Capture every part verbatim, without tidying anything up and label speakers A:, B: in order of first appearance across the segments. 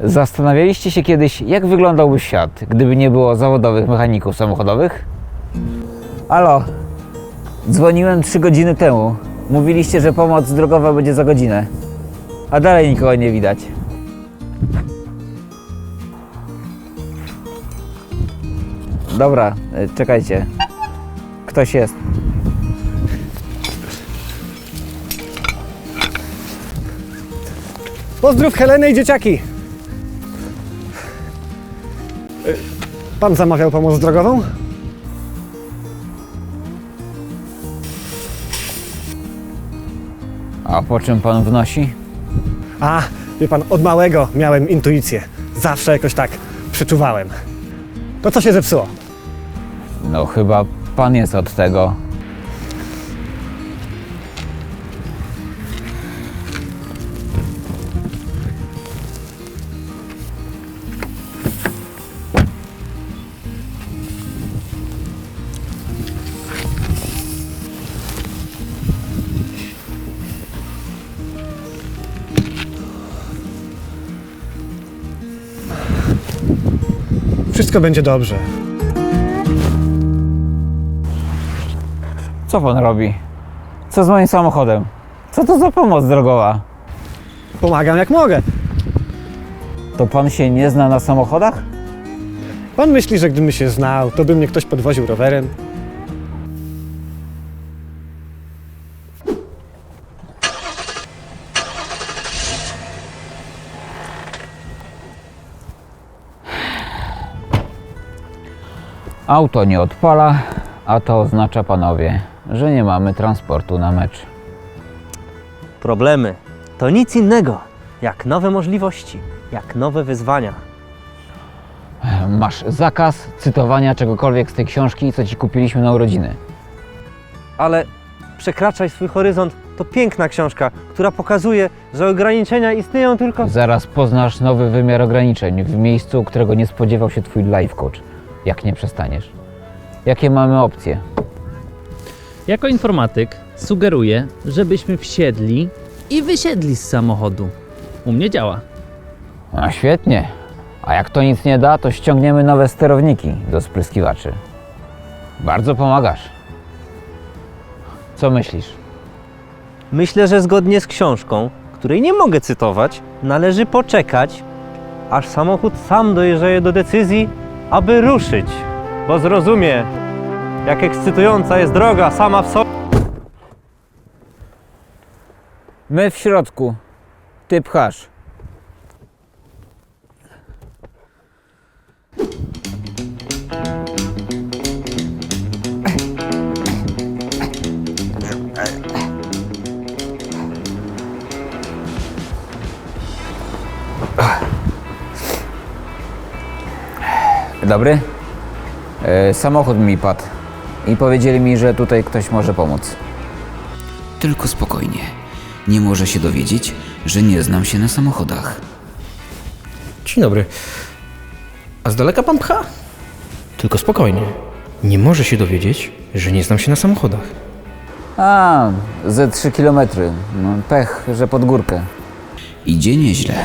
A: Zastanawialiście się kiedyś, jak wyglądałby świat, gdyby nie było zawodowych mechaników samochodowych? Halo, dzwoniłem trzy godziny temu. Mówiliście, że pomoc drogowa będzie za godzinę, a dalej nikogo nie widać. Dobra, czekajcie. Ktoś jest.
B: Pozdrów Helenę i dzieciaki! Pan zamawiał pomoc drogową?
A: A po czym pan wnosi?
B: A, wie pan, od małego miałem intuicję. Zawsze jakoś tak przeczuwałem. To co się zepsuło?
A: No chyba pan jest od tego.
B: Wszystko będzie dobrze.
A: Co pan robi? Co z moim samochodem? Co to za pomoc drogowa?
B: Pomagam jak mogę.
A: To pan się nie zna na samochodach?
B: Pan myśli, że gdybym się znał, to by mnie ktoś podwoził rowerem?
A: Auto nie odpala, a to oznacza, panowie, że nie mamy transportu na mecz.
C: Problemy to nic innego jak nowe możliwości, jak nowe wyzwania.
A: Masz zakaz cytowania czegokolwiek z tej książki, co ci kupiliśmy na urodziny.
C: Ale Przekraczaj swój horyzont to piękna książka, która pokazuje, że ograniczenia istnieją tylko...
A: Zaraz poznasz nowy wymiar ograniczeń w miejscu, którego nie spodziewał się twój life coach, jak nie przestaniesz. Jakie mamy opcje?
D: Jako informatyk sugeruję, żebyśmy wsiedli i wysiedli z samochodu. U mnie działa.
A: No świetnie. A jak to nic nie da, to ściągniemy nowe sterowniki do spryskiwaczy. Bardzo pomagasz. Co myślisz?
C: Myślę, że zgodnie z książką, której nie mogę cytować, należy poczekać, aż samochód sam dojrzeje do decyzji, aby ruszyć, bo zrozumie, jak ekscytująca jest droga sama w sobie.
A: My w środku. Ty pchasz. Dobry. E, samochód mi padł i powiedzieli mi, że tutaj ktoś może pomóc.
E: Tylko spokojnie. Nie może się dowiedzieć, że nie znam się na samochodach.
F: Dzień dobry. A z daleka pan pcha? Tylko spokojnie. Nie może się dowiedzieć, że nie znam się na samochodach.
A: A, ze trzy kilometry. No, pech, że pod górkę.
E: Idzie nieźle.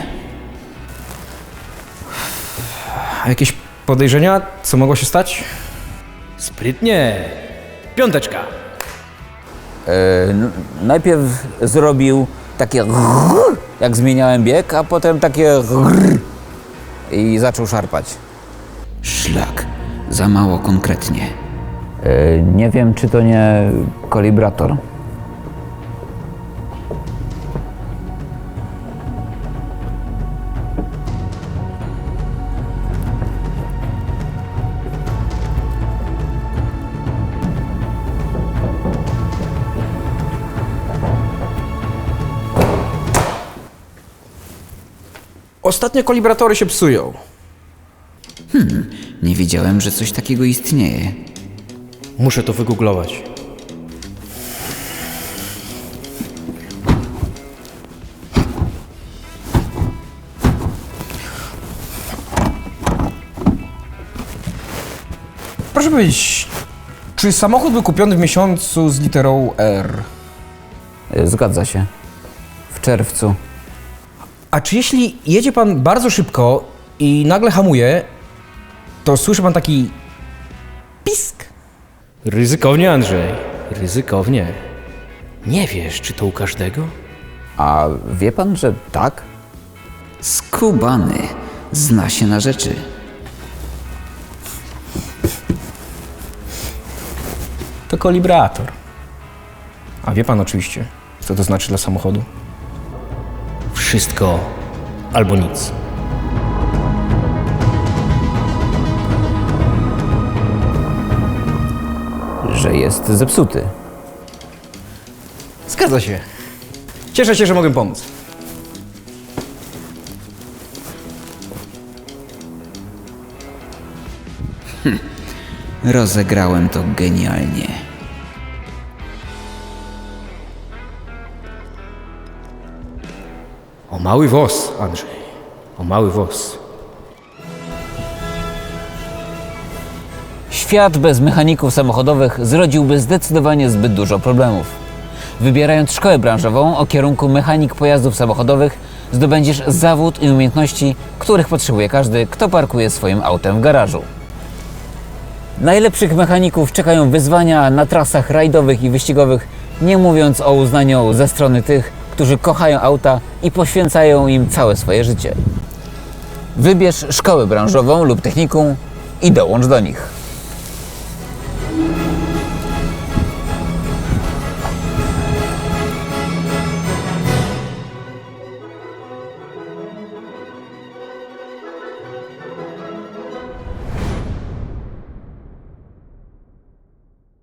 F: A jakieś podejrzenia, co mogło się stać? Sprytnie. Piąteczka.
A: E, n- najpierw zrobił takie grrr, jak zmieniałem bieg, a potem takie grrr i zaczął szarpać.
E: Szlak. Za mało konkretnie.
A: E, nie wiem, czy to nie kolibrator.
F: Ostatnio kolibratory się psują.
E: Nie wiedziałem, że coś takiego istnieje.
F: Muszę to wygooglować. Proszę powiedzieć, czy samochód był kupiony w miesiącu z literą R?
A: E, zgadza się. W czerwcu.
F: A czy jeśli jedzie pan bardzo szybko i nagle hamuje, to słyszy pan taki pisk? Ryzykownie, Andrzej. Ryzykownie. Nie wiesz, czy to u każdego?
A: A wie pan, że tak?
E: Skubany zna się na rzeczy.
F: To kolibrator. A wie pan oczywiście, co to znaczy dla samochodu? Wszystko albo nic.
A: Że jest zepsuty.
F: Zgadza się. Cieszę się, że mogę pomóc.
E: Rozegrałem to genialnie.
F: O mały włos, Andrzej. O mały włos.
A: Świat bez mechaników samochodowych zrodziłby zdecydowanie zbyt dużo problemów. Wybierając szkołę branżową o kierunku mechanik pojazdów samochodowych, zdobędziesz zawód i umiejętności, których potrzebuje każdy, kto parkuje swoim autem w garażu. Najlepszych mechaników czekają wyzwania na trasach rajdowych i wyścigowych, nie mówiąc o uznaniu ze strony tych, którzy kochają auta i poświęcają im całe swoje życie. Wybierz szkołę branżową lub technikum i dołącz do nich.